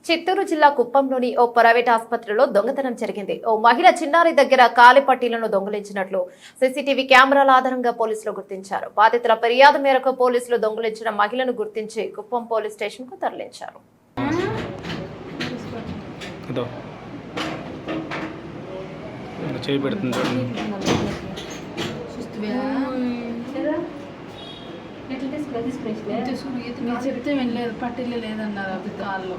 చిత్తూరు జిల్లా కుప్పంలోని ఓ ప్రైవేట్ ఆసుపత్రిలో దొంగతనం జరిగింది. ఓ మహిళ చిన్నారి దగ్గర కాలి పట్టీలను దొంగిలించినట్లు సీసీటీవీ కెమెరాల ఆధారంగా పోలీసులు గుర్తించారు. బాధితుల ఫిర్యాదు మేరకు పోలీసులు దొంగిలించిన మహిళను గుర్తించి కుప్పం పోలీస్ స్టేషన్ కు తరలించారు. చెప్తే వెళ్ళలేదు, పట్టిల్లు లేదన్నారు అది కాళ్ళు.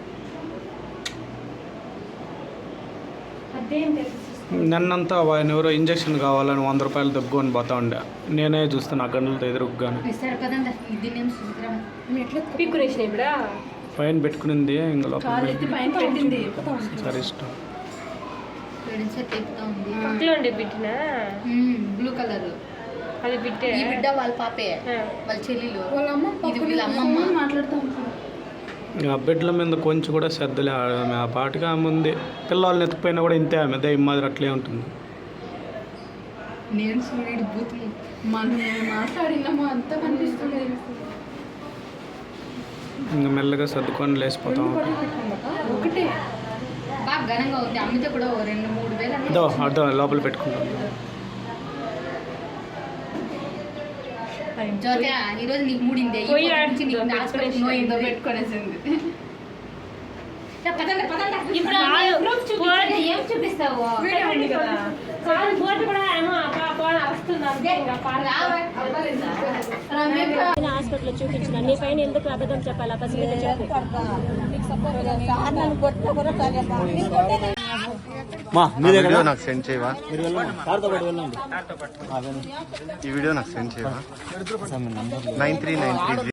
నన్నంతా ఆయన ఎవరో ఇంజక్షన్ కావాలని 100 రూపాయలు దగ్గుని పోతా ఉండే. నేనే చూస్తాను ఆ గంటలతో ఎదురుగాను పైన పెట్టుకునింది. ఇంకా సరే ఇష్టం బ్లూ కలర్ అది బిడ్డ వాళ్ళ పాపే, వాళ్ళ చెల్లెలు, వాళ్ళ అమ్మమ్మ మాట్లాడుతూ ఉంటారు. ఆ బిడ్డల మీద కొంచెం కూడా శ్రద్ధలే. ఆమె ఆ పాటిగా ఆమె ఉంది. పిల్లల్ని ఎత్తుకుపోయినా కూడా ఇంతే, ఆమె దయ్యం మాదిరి అట్లే ఉంటుంది. నేను సూర్యుడు బూతులు మనం మాట్లాడినాము అంతా కనిపిస్తుంది. ఇంకా మెల్లగా సర్దుకొని లేచిపోతాం. ఒకటే బాగా ఘనంగా ఉంది. అమ్మితే కూడా 2-3 వేలు అర్థం లోపల పెట్టుకుంటాం. జ్యోతి ఈరోజు నీకు మూడింది పెట్టుకునేసింది. ఏం చూపిస్తావు? హాస్పిటల్ చూపించిన నీ పైన ఎందుకు అబద్ధం చెప్పాలా? వీడియో నాకు సెండ్ చేయవా? ఈ వీడియో నాకు సెండ్ చేయవా? 9393